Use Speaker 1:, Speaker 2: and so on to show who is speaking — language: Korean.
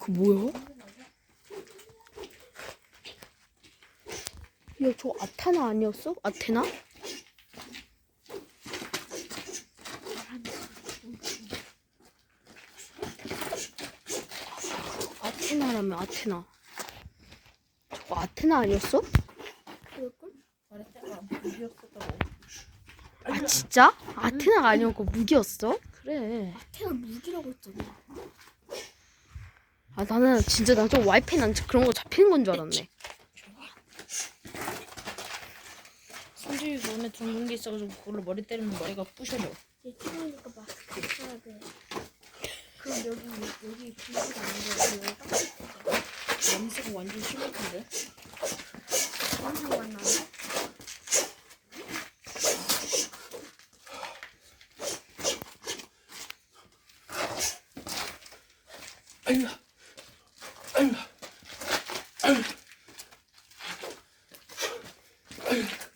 Speaker 1: 그 뭐야? 야, 저 아타나 아니었어? 아테나? 아테나라며, 아테나. 저거 아테나 아니었어?
Speaker 2: 그럴걸?
Speaker 3: 말했잖아. 무기였었다고.
Speaker 1: 아, 진짜? 아테나가 아니었고 무기였어?
Speaker 3: 그래.
Speaker 2: 아테나 무기라고 했잖아.
Speaker 1: 아, 나는 진짜 나 좀 와이파이 난 그런 거 잡히는 건 줄 알았네.
Speaker 3: 손주이 몸에 둥근 게 있어가지고 그걸로 머리 때리면 머리가 부셔져.
Speaker 2: 얘 추우니까 마스크 써야 돼. 그럼 여기 분위기가 안 돼. 여기 딱
Speaker 3: 냄새가 완전 심할 텐데.
Speaker 2: 냄새가 안 나네.
Speaker 4: 아이고, 아이고, 아이고, 아이고.